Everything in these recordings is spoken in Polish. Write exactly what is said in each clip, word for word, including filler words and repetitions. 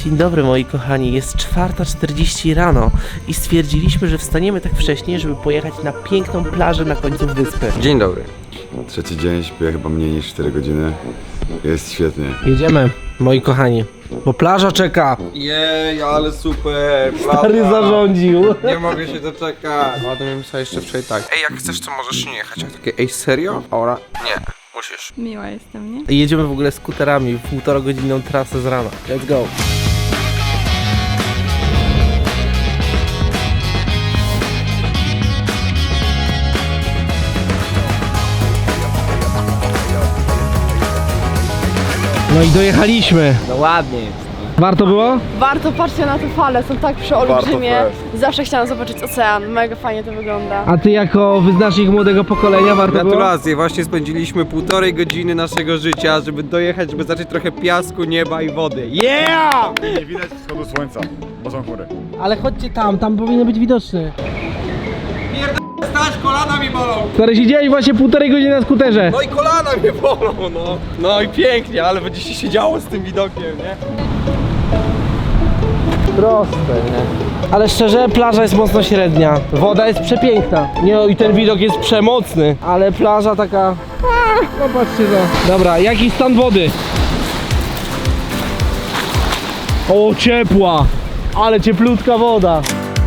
Dzień dobry moi kochani, jest czwarta czterdzieści rano i stwierdziliśmy, że wstaniemy tak wcześnie, żeby pojechać na piękną plażę na końcu wyspy. Dzień dobry. Trzeci dzień, śpię chyba mniej niż cztery godziny. Jest świetnie. Jedziemy, moi kochani, bo plaża czeka. Jej, ale super. Stary zarządził. Nie mogę się doczekać. No, to miałem sobie jeszcze wczoraj tak. Ej, jak chcesz, to możesz nie jechać. A takie, ej, serio? Ora? Nie, musisz. Miła jestem, nie? Jedziemy w ogóle skuterami w półtora godzinną trasę z rana. Let's go. No i dojechaliśmy. No ładnie jest. Warto było? Warto, patrzcie na te fale, są tak przeolbrzymie. Zawsze chciałam zobaczyć ocean, mega fajnie to wygląda. A ty jako wyznacznik młodego pokolenia warto było? Gratulacje, właśnie spędziliśmy półtorej godziny naszego życia, żeby dojechać, żeby zacząć trochę piasku, nieba i wody. Yeah! Nie widać wschodu słońca, bo są chmury. Ale chodźcie tam, tam powinien być widoczny. Stać, kolana mi bolą! Stary, siedziałeś właśnie półtorej godziny na skuterze. No i kolana mnie bolą, no. No i pięknie, ale będzie się siedziało z tym widokiem, nie? Proste, nie? Ale szczerze, plaża jest mocno średnia. Woda jest przepiękna. Nie, i ten widok jest przemocny. Ale plaża taka... No patrzcie to. Dobra, jaki stan wody? O, ciepła. Ale cieplutka woda.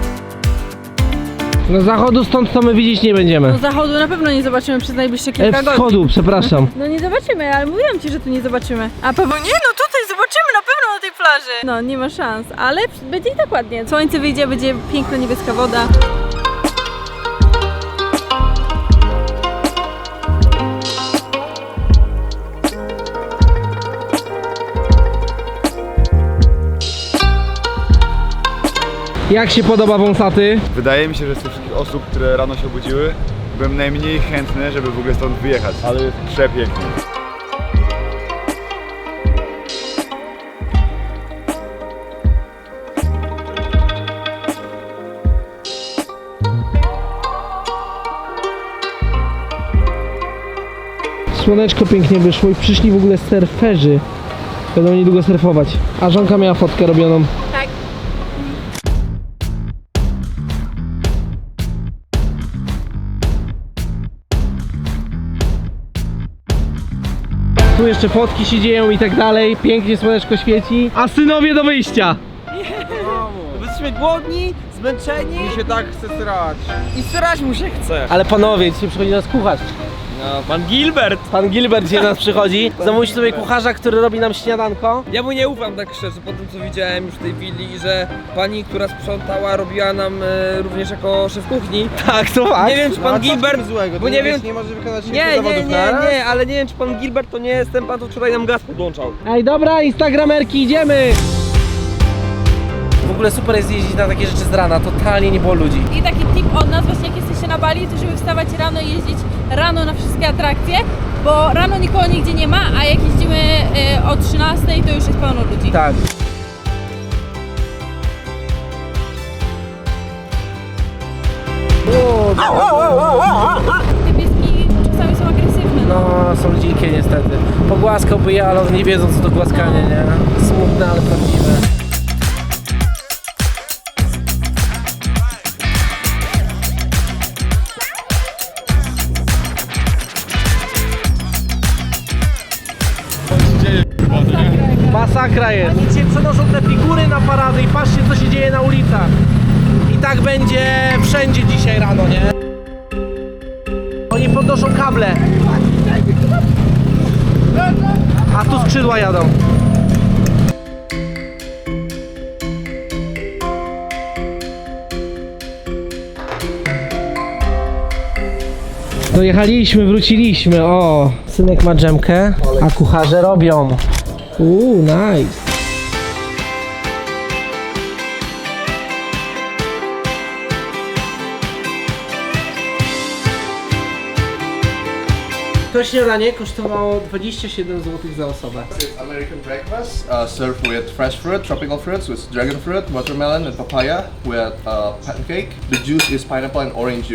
No zachodu stąd to my widzieć nie będziemy. No zachodu na pewno nie zobaczymy przez najbliższe kilka E, godzin. wschodu, przepraszam. No nie zobaczymy, ale mówiłam ci, że tu nie zobaczymy. A Paweł, nie no tutaj zobaczymy na pewno na tej plaży. No nie ma szans, ale będzie i tak ładnie. Słońce wyjdzie, będzie piękna niebieska woda. Jak się podoba wąsaty? Wydaje mi się, że z tych wszystkich osób, które rano się obudziły, byłem najmniej chętny, żeby w ogóle stąd wyjechać. Ale jest przepięknie. Słoneczko pięknie wyszło i przyszli w ogóle surferzy. Będą niedługo surfować. A żonka miała fotkę robioną. Tak. Tu jeszcze fotki się dzieją i tak dalej. Pięknie słoneczko świeci. A synowie do wyjścia. Jesteśmy głodni, zmęczeni. Mi się tak chce srać. I srać mu się chce. Ale panowie, dzisiaj przychodzi nas kucharz. No, pan Gilbert. Pan Gilbert dzisiaj nas przychodzi. Zamówić sobie kucharza, który robi nam śniadanko. Ja mu nie ufam tak szczerze, po tym co widziałem już w tej willi, że pani, która sprzątała, robiła nam e, również jako szef kuchni. Tak, to fakt. Nie wiem, czy pan Gilbert, złego, bo nie wiem, nie może wykonać nie, nie, nie, nie, nie, ale nie wiem, czy pan Gilbert to nie jest ten pan, co wczoraj nam gaz podłączał. Ej, dobra, instagramerki, idziemy! W ogóle super jest jeździć na takie rzeczy z rana, totalnie nie było ludzi. I taki tip od nas właśnie jak jesteście na Bali, to żeby wstawać rano i jeździć rano na wszystkie atrakcje, bo rano nikogo nigdzie nie ma, a jak jeździmy y, o trzynastej, to już jest pełno ludzi. Tak. Te pieski czasami są agresywne. No, są dzikie niestety. Pogłaskałby je, ale one nie wiedzą co to głaskanie, nie? Smutne, ale prawdziwe. Masakra jest. Oni dzisiaj przenoszą te figury na parady i patrzcie co się dzieje na ulicach. I tak będzie wszędzie dzisiaj rano, nie? Oni podnoszą kable. A tu skrzydła jadą. Dojechaliśmy, wróciliśmy. O, synek ma dżemkę, a kucharze robią. Uuu, nice. To śniadanie kosztowało dwadzieścia siedem złotych za osobę. It's American breakfast, uh, served with fresh fruit, tropical fruits, with dragon fruit, watermelon, and papaya, with uh, pancake. The juice is pineapple and orange juice.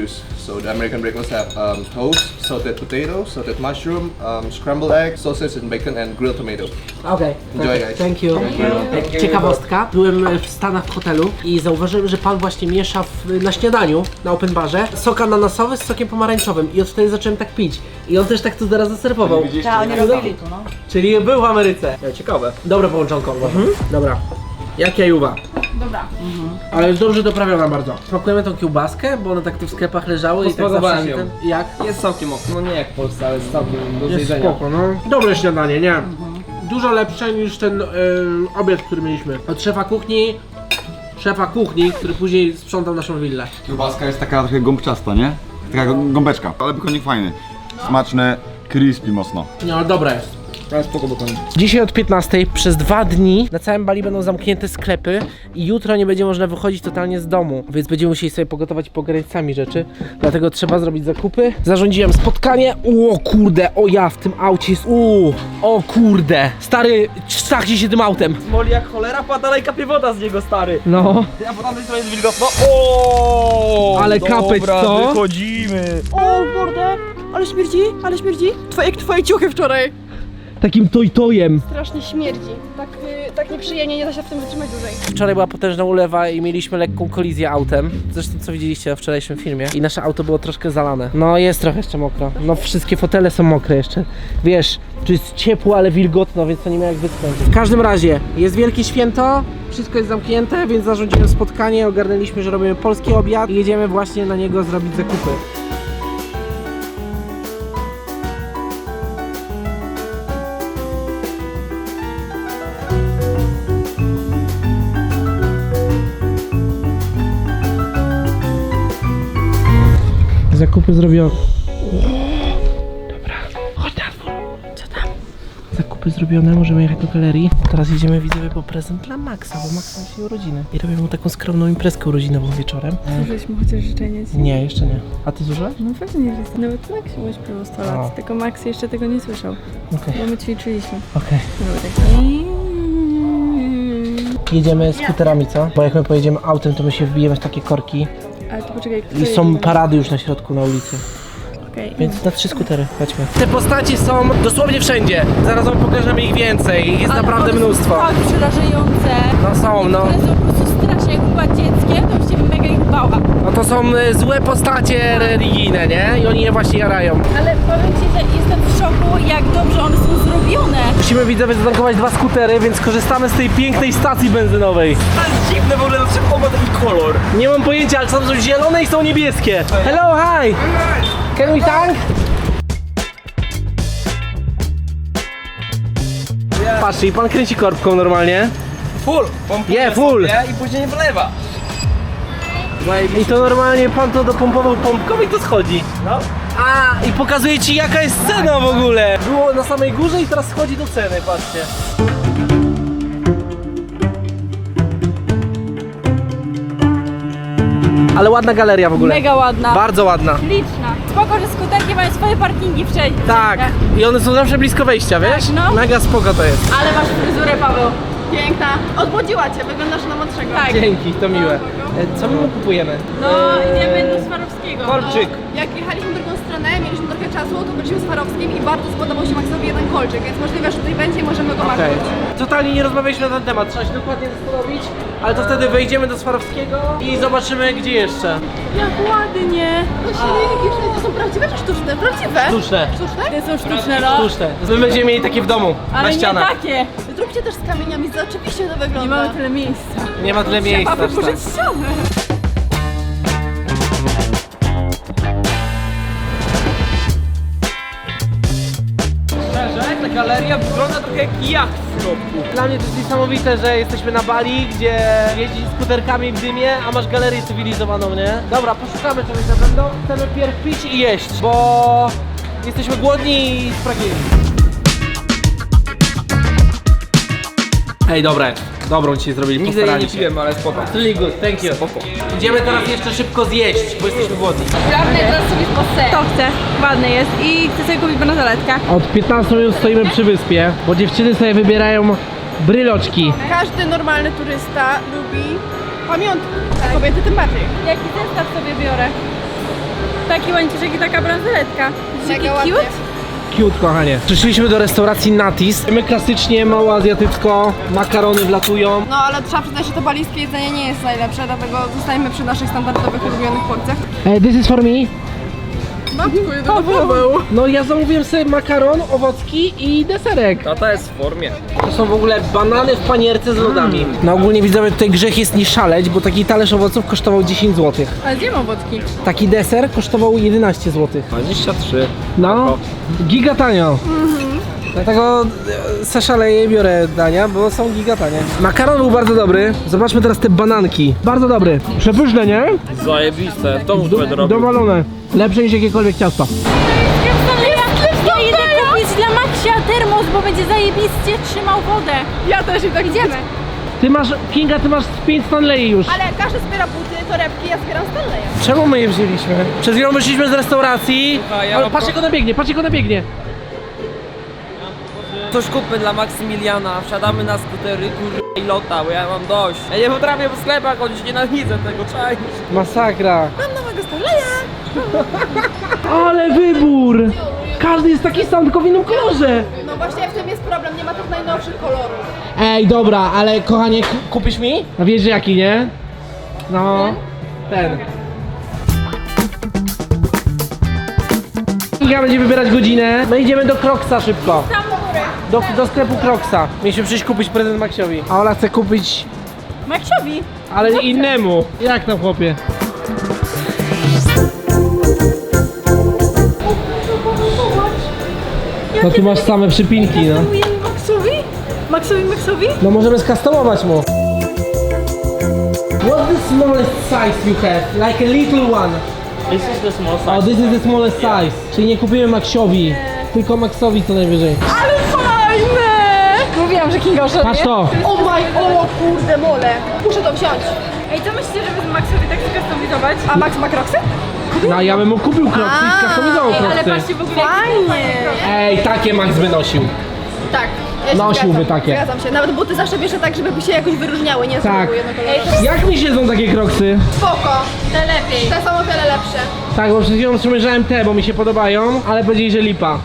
So the American breakfast have um, toast, salted potato, salted mushroom, um, scrambled egg, sausage and bacon, and grilled tomato. Okej, Enjoy, guys. thank you. Ciekawostka, byłem w Stanach w hotelu i zauważyłem, że pan właśnie miesza w, na śniadaniu, na open barze, sok ananasowy z sokiem pomarańczowym i od wtedy zacząłem tak pić. I on też tak to zaraz zaserwował. Tak, oni robili tu, no. Czyli był w Ameryce. Ciekawe. Dobre połączonko uważam. Dobra. Jak jajuwa. Dobra. Ale jest dobrze doprawiona bardzo. Smakujemy tą kiełbaskę, bo one tak tu w sklepach leżały i tak Posmakowałem zawsze się ją. ten... Jak? Jest całkiem ok. No nie jak w Polsce, ale jest całkiem do Jest zjedzenia. spoko, no. Dobre śniadanie, nie? Dużo lepsze niż ten y, obiad, który mieliśmy. Od szefa kuchni, szefa kuchni, który później sprzątał naszą willę. Kiełbaska jest taka trochę gąbczasta, nie? Taka gąbeczka. Ale bykonik fajny. Smaczne, crispy mocno. No, dobra jest. Ale spoko bokonik. Dzisiaj od piętnastej przez dwa dni na całym Bali będą zamknięte sklepy i jutro nie będzie można wychodzić totalnie z domu, więc będziemy musieli sobie pogotować i pogarać sami rzeczy, dlatego trzeba zrobić zakupy. Zarządziłem spotkanie, o kurde, o ja w tym aucie jest, uuu, o kurde, stary, strachnij się tym autem. Moli jak cholera, pa dalej kapie woda z niego, stary. No, A po tamtej stronie jest wilgotno. O! Ale kapeć, dobra, co? wychodzimy. O kurde, ale śmierdzi, ale śmierdzi. Twoje, twoje ciuchy wczoraj. takim toj-tojem. Strasznie śmierdzi. Tak, y, tak nieprzyjemnie, nie da się w tym wytrzymać dłużej. Wczoraj była potężna ulewa i mieliśmy lekką kolizję autem. Zresztą co widzieliście na wczorajszym filmie. I nasze auto było troszkę zalane. No jest trochę jeszcze mokro. No wszystkie fotele są mokre jeszcze. Wiesz, tu jest ciepło, ale wilgotno, więc to nie ma jak wyschnąć. W każdym razie, jest wielkie święto. Wszystko jest zamknięte, więc zarządziłem spotkanie. Ogarnęliśmy, że robimy polski obiad i jedziemy właśnie na niego zrobić zakupy. Zakupy zrobione. Dobra, chodź na dwór. Co tam? Zakupy zrobione, możemy jechać do galerii. Teraz jedziemy widzowie po prezent dla Maxa, bo Max ma dzisiaj urodziny. I robię mu taką skromną imprezkę urodzinową wieczorem. Zużyliśmy chociaż życzenie ci? Nie, jeszcze nie. A ty zużyłeś? No pewnie, że jest. Nawet Max się śpiewał sto A. lat, tylko Max jeszcze tego nie słyszał, Okej, bo my ćwiczyliśmy. okej. Był taki... Jedziemy skuterami, co? Bo jak my pojedziemy autem, to my się wbijemy w takie korki. Ale to poczekaj, kto I są jedzie? parady już na środku, na ulicy. Okej. Więc na trzy skutery, chodźmy. Te postaci są dosłownie wszędzie. Zaraz wam pokażemy ich więcej. Jest Ale naprawdę one są mnóstwo. tak przerażające. No są, no. Które są po prostu strasznie. Jak była dzieckiem, to już się mega ich bała. No to są e, złe postacie religijne, nie? I oni je właśnie jarają. Ale powiem ci, że jestem w szoku, jak dobrze one są zrobione. Musimy widzowie zatankować dwa skutery, więc korzystamy z tej pięknej stacji benzynowej. To jest dziwne w ogóle, dlaczego on ma taki kolor? Nie mam pojęcia, ale są zielone i są niebieskie. Hello, hi! Can we tank? Patrzcie, i pan kręci korbką normalnie. Full! Pompuje Yeah, full. sobie i później nie wlewa. I to normalnie pan to dopompował pompką i to schodzi. No. A, i pokazuje ci jaka jest cena w ogóle. Było na samej górze i teraz schodzi do ceny, patrzcie. Ale ładna galeria w ogóle. Mega ładna. Bardzo ładna. Liczna. Spoko, że skuterki mają swoje parkingi wszędzie. Tak. I one są zawsze blisko wejścia, wiesz? no. Mega spoko to jest. Ale masz fryzurę, Paweł. Piękna. Odmłodziła cię, wyglądasz na młodszego. Tak. Dzięki, to miłe. E, Co my mu kupujemy? No, idziemy do Swarowskiego. Kolczyk. Jak jechaliśmy drugą stronę, mieliśmy trochę czasu, to byliśmy z Farowskim i bardzo spodobał się Maxowi jeden kolczyk, więc możliwe, że tutaj będzie i możemy go Okej. machnąć. Totalnie nie rozmawialiśmy na ten temat, trzeba się dokładnie zastanowić, ale to wtedy wejdziemy do Swarowskiego i zobaczymy gdzie jeszcze. Jak ładnie. No silniki wszędzie są prawdziwe czy sztuczne? Prawdziwe. Sztuczne. Sztuczne? Te są sztuczne, no. Sztuczne. My będziemy mieli takie w domu, Ale na nie ścianach. takie. Zróbcie też z kamieniami, oczywiście to wygląda. Nie mamy tyle miejsca. Nie ma tyle miejsca. Trzeba aż tak. wyburzyć ścianę. Szczerze, ta galeria wygląda trochę jak jacht w środku. Dla mnie to jest niesamowite, że jesteśmy na Bali, gdzie jeździsz skuterkami w dymie, a masz galerię cywilizowaną, nie? Dobra, poszukamy czegoś na pewno. Chcemy pierw pić i jeść, bo jesteśmy głodni i spragnieni. Ej, dobre. Dobrą ci zrobili, Nigdy jej nie postarali się. piłem, ale spoko. Really good, thank you. Idziemy teraz jeszcze szybko zjeść, bo jesteśmy głodni. Sprawdzę teraz sobie posę. To chcę. Ładny jest i chcę sobie kupić bransoletkę. Od piętnastu minut stoimy przy wyspie, bo dziewczyny sobie wybierają bryloczki. Każdy normalny turysta lubi pamiątki, a kobiety tym bardziej. Jaki zestaw sobie biorę? Taki łańcuszek i taka bransoletka. Mega Taki ładnie. cute. Cute, kochanie. Przyszliśmy do restauracji Natis. My klasycznie, mało azjatycko, makarony wlatują. No ale trzeba przyznać, że to balijskie jedzenie nie jest najlepsze, dlatego zostajemy przy naszych standardowych ulubionych porcjach. Hey, this is for me. Paweł! No ja zamówiłem sobie makaron, owocki i deserek. Tata jest w formie. To są w ogóle banany w panierce z lodami. No ogólnie widzowie, tutaj grzech jest nie szaleć, bo taki talerz owoców kosztował dziesięć złotych. Ale zjem owocki. Taki deser kosztował jedenaście złotych. dwadzieścia trzy. No, giga tanio. Dlatego e, se szaleję i biorę dania, bo są giga tanie. Makaron był bardzo dobry. Zobaczmy teraz te bananki. Bardzo dobry. Przepyszne, nie? Zajebiste, w domu będę robił. Dowalone. Lepsze niż jakiekolwiek ciasto. Ja idę kupić dla Maxia termos, bo będzie zajebiście trzymał wodę. Ja też i tak idziemy. Ty masz, Kinga, ty masz pięć Stanley już. Ale każdy zbiera buty, torebki, ja zbieram Stanleya. Czemu my je wzięliśmy? Przed chwilą wyszliśmy z restauracji. Słuchaj, ja Ale mam patrz pro- jak ona biegnie, patrz jak ona biegnie. Coś kupmy dla Maksymiliana, wsiadamy na skutery, kurwa i lota, bo ja mam dość. Ja nie potrafię po sklepach chodzić, nienawidzę tego, czaisz. Masakra. Mam nowego Stanleya. Ale wybór! Każdy jest taki sam, tylko w innym kolorze. No właśnie w tym jest problem, nie ma tych najnowszych kolorów. Ej, dobra, ale kochanie, k- kupisz mi? A wiesz jaki, nie? No, ten. Kinga będzie wybierać godzinę. My idziemy do Crocsa szybko. Tam do góry. Do, do sklepu Crocsa. Mieliśmy przyjść kupić prezent Maxiowi. A Ola chce kupić, Maxiowi. ale innemu. Jak tam, chłopie? No tu masz same przypinki, no. Maxowi? Maxowi, Maxowi? No możemy skustomować mu. What's the smallest size you have? Like a little one. This is the small Oh, this is the smallest size. Czyli nie kupimy Maxiowi, tylko Maxowi co najwyżej. Ale fajne! Mówiłam, że Kinga oszalenie. Patrz to. O maj, o kurde mole. Muszę to wziąć. Ej, co myślicie, żeby Maxowi tak skustomizować? A Max ma kroksy? No ja bym mu kupił Crocsy i skustomizował Ej, ale Crocsy. patrzcie w ogóle jak Fajnie. Ej, takie Max by nosił. Tak. Ja się Nosiłby zgadzam, takie. Zgadzam się. Nawet buty zawsze bierze tak, żeby się jakoś wyróżniały, nie Tak. są jednokolorowe. Jak mi siedzą takie Crocsy? Spoko. te lepiej. Te są o wiele lepsze. Tak, bo przed chwilą przymierzałem te, bo mi się podobają, ale powiedzieli, że lipa.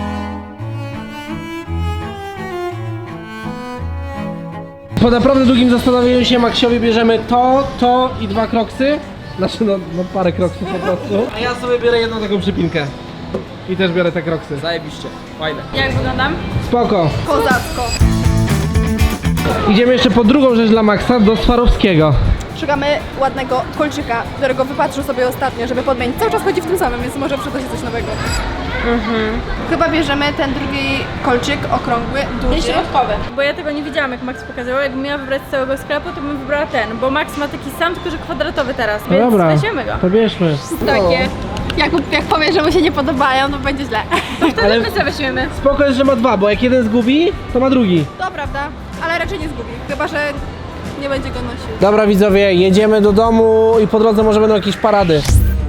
Po naprawdę długim zastanowieniu się Maxiowi bierzemy to, to i dwa Crocsy. Znaczy no, no parę Crocsów po prostu. A ja sobie biorę jedną taką przypinkę. I też biorę te Crocsy. Zajebiście, fajne. Jak wyglądam? Spoko. Kozacko. Idziemy jeszcze po drugą rzecz dla Maxa, do Swarowskiego. Szukamy ładnego kolczyka, którego wypatrzył sobie ostatnio, żeby podmienić. Cały czas chodzi w tym samym, więc może przyda się coś nowego. Chyba bierzemy ten drugi kolczyk, okrągły, duży. Środkowy. Bo ja tego nie widziałam, jak Max pokazywał. Jakbym miała wybrać z całego sklepu, to bym wybrała ten, bo Max ma taki sam, tylko że kwadratowy teraz, No więc dobra, weźmiemy go. to bierzmy. Takie. Jak, jak powie, że mu się nie podobają, to będzie źle. Wtedy Ale my sobie weźmiemy. spoko jest, że ma dwa, bo jak jeden zgubi, to ma drugi. To prawda, ale raczej nie zgubi. Chyba, że nie będzie go nosił. Dobra widzowie, jedziemy do domu i po drodze może będą jakieś parady.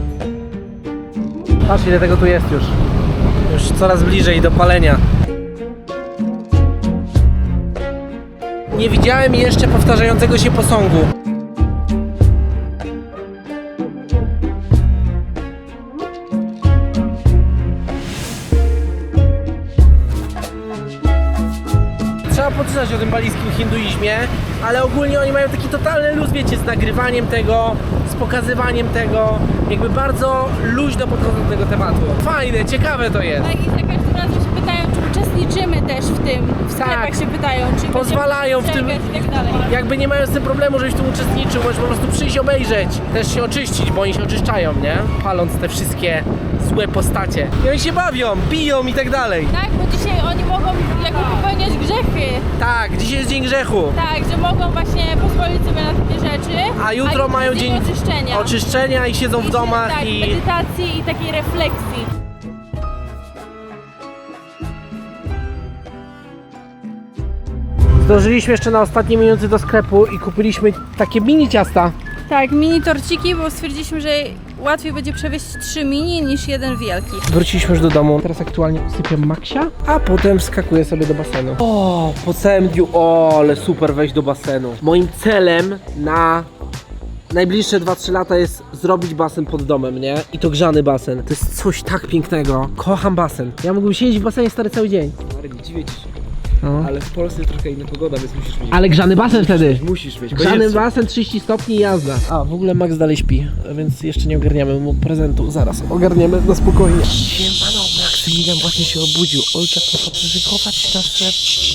Patrz ile tego tu jest już. Już coraz bliżej do palenia. Nie widziałem jeszcze powtarzającego się posągu. Trzeba poczytać o tym balijskim hinduizmie, ale ogólnie oni mają taki totalny luz, wiecie, z nagrywaniem tego, z pokazywaniem tego, jakby bardzo luźno podchodzą do tego tematu. Fajne, ciekawe to jest. Tak, i za każdym razem się pytają, czy uczestniczymy też w tym. W sklepach Tak. się pytają, czy Pozwalają w będziemy tym- przestrzegać i tak dalej. Jakby nie mają z tym problemu, żebyś tu uczestniczył, możesz po prostu przyjść obejrzeć, też się oczyścić, bo oni się oczyszczają, nie? Paląc te wszystkie złe postacie. I oni się bawią, piją i tak dalej. Tak, bo dzisiaj oni mogą jakby popełniać grzechy. Tak, dzisiaj jest dzień grzechu. Tak, że mogą właśnie pozwolić sobie na takie rzeczy. A jutro mają dzień oczyszczenia. oczyszczenia i siedzą w I domach tak, i... medytacji i takiej refleksji. Zdążyliśmy jeszcze na ostatnie minuty do sklepu i kupiliśmy takie mini ciasta. Tak, mini torciki, bo stwierdziliśmy, że łatwiej będzie przewieźć trzy mini niż jeden wielki. Wróciliśmy już do domu. Teraz aktualnie usypiam Maxia, a potem wskakuję sobie do basenu. O, po całym dniu, o, ale super wejść do basenu. Moim celem na najbliższe dwa trzy lata jest zrobić basen pod domem, nie? I to grzany basen. To jest coś tak pięknego. Kocham basen. Ja mógłbym siedzieć w basenie stary cały dzień. Nie dziwię ci się. No. Ale w Polsce jest trochę inna pogoda, więc musisz mieć. Ale grzany basen wtedy. Musisz mieć. Grzany basen, trzydzieści stopni i jazda. A, w ogóle Max dalej śpi, więc jeszcze nie ogarniamy mu prezentu. Zaraz ogarniemy na spokojnie. Siemano, Maksymilian właśnie się obudził. Ojciec muszę przyszykować nasze...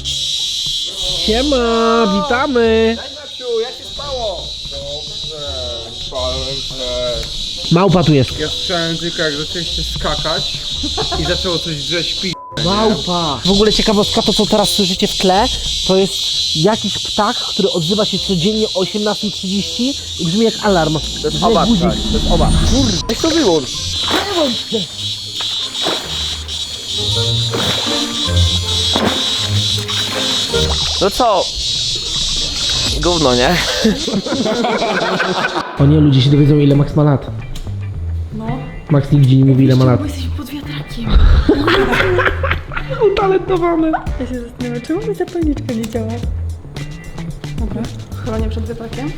Siema, witamy. Jak się spało? Dobrze, spałem się. Małpa tu jest. Ja słyszałem tylko jak zaczęliście skakać i zaczęło coś drzeć pi... Małpa. W ogóle ciekawostka, to co teraz słyszycie w tle, to jest jakiś ptak, który odzywa się codziennie o osiemnasta trzydzieści i brzmi jak alarm. To jest Owad, tak, to jest owad. Kurde, weź to wyłącz. No co? Gówno, nie? O nie, ludzie się dowiedzą ile Max ma lat. No. Max nigdzie nie mówi ile ma lat. Bo jesteśmy pod wiatrakiem. Utalentowany. Ja się zastanawiam, czemu mi zapalniczka nie działa? Dobra. Chyba nie przed wiatrakiem.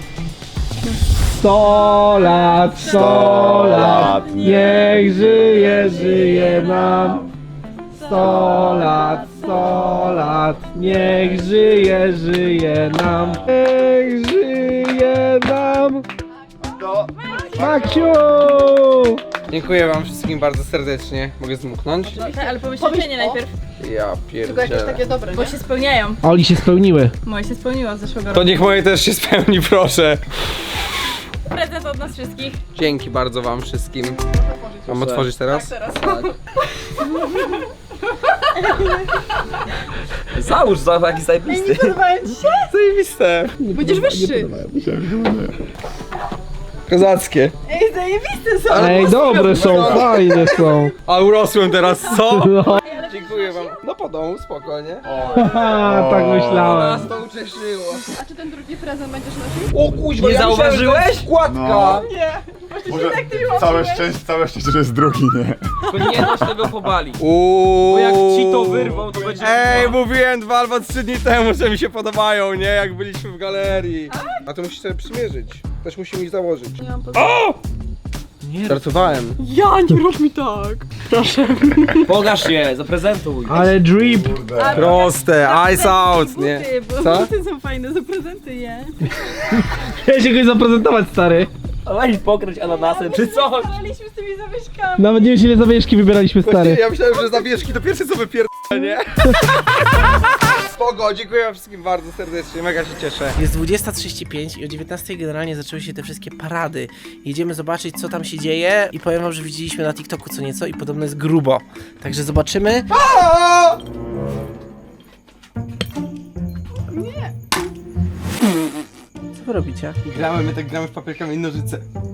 sto lat, sto lat, niech żyje, żyje nam. sto lat, sto lat, niech żyje, żyje nam. Niech żyje nam. Maksiu! Dziękuję wam wszystkim bardzo serdecznie. Mogę zmuknąć? Ale pomyśl życzenie najpierw, Ja Tylko jakieś pierdzielę. takie dobre, bo nie? się spełniają. Oli się spełniły. Moje się spełniło z zeszłego To roku. niech moje też się spełni, proszę. Prezent od nas wszystkich. Dzięki bardzo wam wszystkim. Mam otworzyć teraz? Teraz. Załóż za taki zajebisty. Zajebiste. Będziesz wyższy. Kozackie. Ej, zajebiste są. Ej, dobre są, fajne są. A urosłem teraz, co? No. Dziękuję wam. No po domu, spokojnie. Haha, tak myślałem. Nas to ucieszyło. A czy ten drugi prezent będziesz nosił? O kuźwa, Nie ja myślałem, że to zauważyłeś? jest Składka. No. Może całe szczęście, całe szczęście, że jest drugi, nie? Tylko nie noś tego pobali. Uuu. Bo jak ci to wyrwą, to będzie... Ej, mówiłem dwa albo trzy dni temu, że mi się podobają, nie? Jak byliśmy w galerii. A to musisz sobie przymierzyć. Też musimy ich założyć. O! Nie. Żartowałem. Ja, nie rób mi tak. Pokaż je, zaprezentuj. Ale drip. Proste, eyes out, nie? Bo Co? buty są fajne, zaprezentuj je. Chciałem się kogoś zaprezentować, stary. Weź pokryć ananasem, czy coś. Paliśmy z tymi zawieszkami. Nawet nie wiem, ile zawieszki wybieraliśmy, stary. Ja myślałem, że zawieszki to pierwsze co wypierdolę, nie? Spoko, dziękuję wam wszystkim bardzo serdecznie, mega się cieszę. Jest dwudziesta trzydzieści pięć i o dziewiętnastej generalnie zaczęły się te wszystkie parady. Jedziemy zobaczyć, co tam się dzieje i powiem wam, że widzieliśmy na TikToku co nieco i podobno jest grubo. Także zobaczymy. Nie. Co wy robicie? Gramy, my tak gramy w papierkami i nożyce.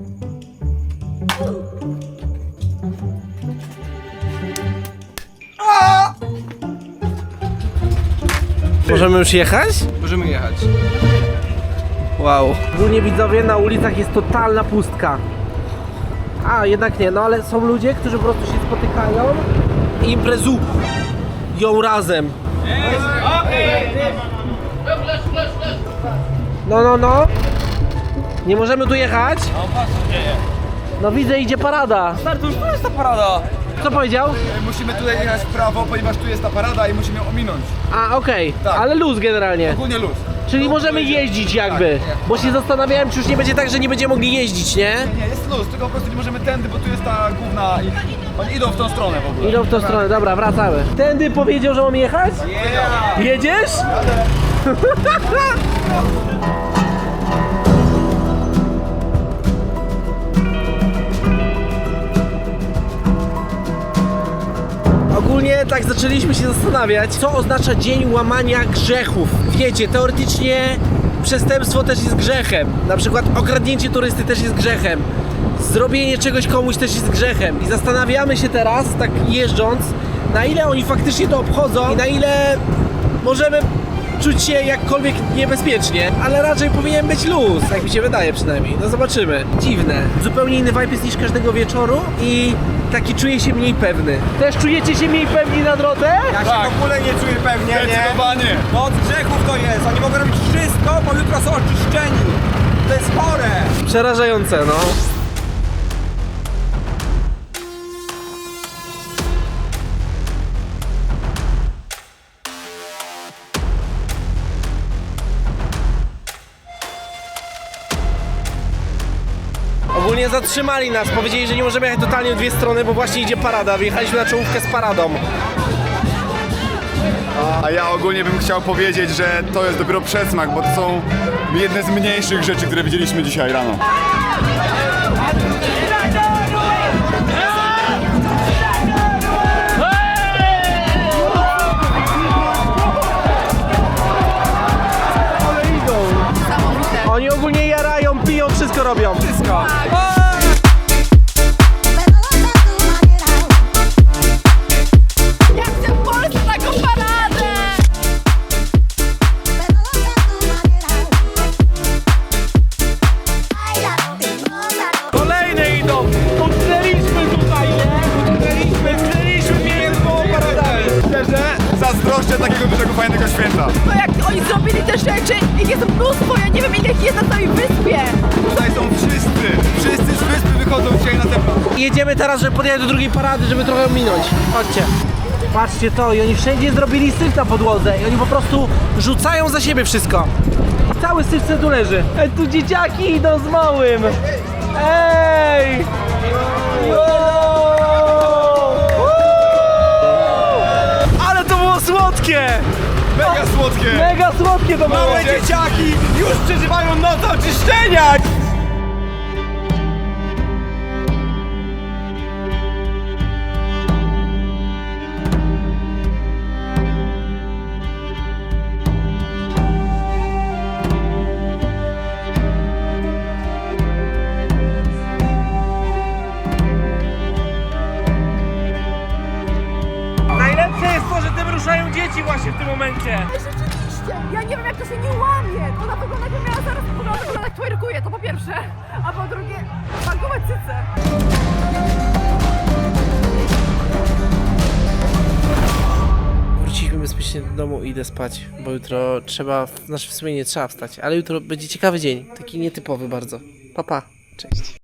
Możemy już jechać? Możemy jechać. Wow. Ogólnie widzowie, na ulicach jest totalna pustka. A, jednak nie, no ale są ludzie, którzy po prostu się spotykają i imprezują razem. No, no, no. Nie możemy tu jechać? No widzę, idzie parada. Stary, to już to jest ta parada. Co powiedział? Musimy tutaj jechać w prawo, ponieważ tu jest ta parada i musimy ją ominąć. A, okej, Tak. ale luz generalnie. Ogólnie luz. Czyli możemy jeździć jakby. Bo się zastanawiałem, czy już nie będzie tak, że nie będziemy mogli jeździć, nie? Nie, jest luz, tylko po prostu nie możemy tędy, bo tu jest ta główna i oni idą w tą stronę w ogóle. Idą w tą stronę, dobra, wracamy. Tędy powiedział, że mam jechać? Jedziesz? Ogólnie tak zaczęliśmy się zastanawiać, co oznacza dzień łamania grzechów. Wiecie, teoretycznie przestępstwo też jest grzechem. Na przykład okradnięcie turysty też jest grzechem. Zrobienie czegoś komuś też jest grzechem. I zastanawiamy się teraz, tak jeżdżąc, na ile oni faktycznie to obchodzą i na ile możemy czuć się jakkolwiek niebezpiecznie, ale raczej powinien być luz, tak mi się wydaje przynajmniej. No zobaczymy. Dziwne. Zupełnie inny vibe jest niż każdego wieczoru i taki czuję się mniej pewny. Też czujecie się mniej pewni na drodze? Ja się w ogóle nie czuję pewnie, nie? Zdecydowanie. Bo od grzechów to jest, oni mogą robić wszystko, bo jutro są oczyszczeni. To jest chore. Przerażające, no. Ogólnie zatrzymali nas, powiedzieli, że nie możemy jechać totalnie w dwie strony, bo właśnie idzie parada. Wjechaliśmy na czołówkę z paradą. A ja ogólnie bym chciał powiedzieć, że to jest dopiero przedsmak, bo to są jedne z mniejszych rzeczy, które widzieliśmy dzisiaj rano. Oni ogólnie jarają, piją, wszystko robią. Wszystko. Ja chcę w Polsce taką paradę! Kolejne idą! Utknęliśmy tutaj, nie? Utknęliśmy, utknęliśmy między paradami. Szczerze, zazdroszczę takiego dużego, fajnego święta. To jak oni zrobili te rzeczy, ich jest mnóstwo, ja nie wiem ile ich jest na całej wyspie. Tutaj są wszyscy, wszyscy z wyspy wychodzą dzisiaj na zewnątrz. Jedziemy teraz, żeby podjechać do drugiej parady, żeby trochę minąć. Chodźcie. Patrzcie to i oni wszędzie zrobili syf na podłodze i oni po prostu rzucają za siebie wszystko. I cały syf tu leży. Ej, tu dzieciaki idą z małym. Ej! Ale to było słodkie! Mega słodkie! Mega słodkie to było! Małe dzieciaki już przeżywają noc oczyszczenia! Najlepsze jest to, że tym ruszają dzieci właśnie w tym momencie. Rzeczywiście, ja nie wiem jak to się nie łamie. Ona wygląda jakby miała zaraz wygląda, wygląda jak twerkuje, to po pierwsze. A po drugie, bankowe cyce. Wróciliśmy bezpiecznie do domu i idę spać, bo jutro trzeba, znaczy w sumie nie trzeba wstać, ale jutro będzie ciekawy dzień, taki nietypowy bardzo. Pa, pa, cześć.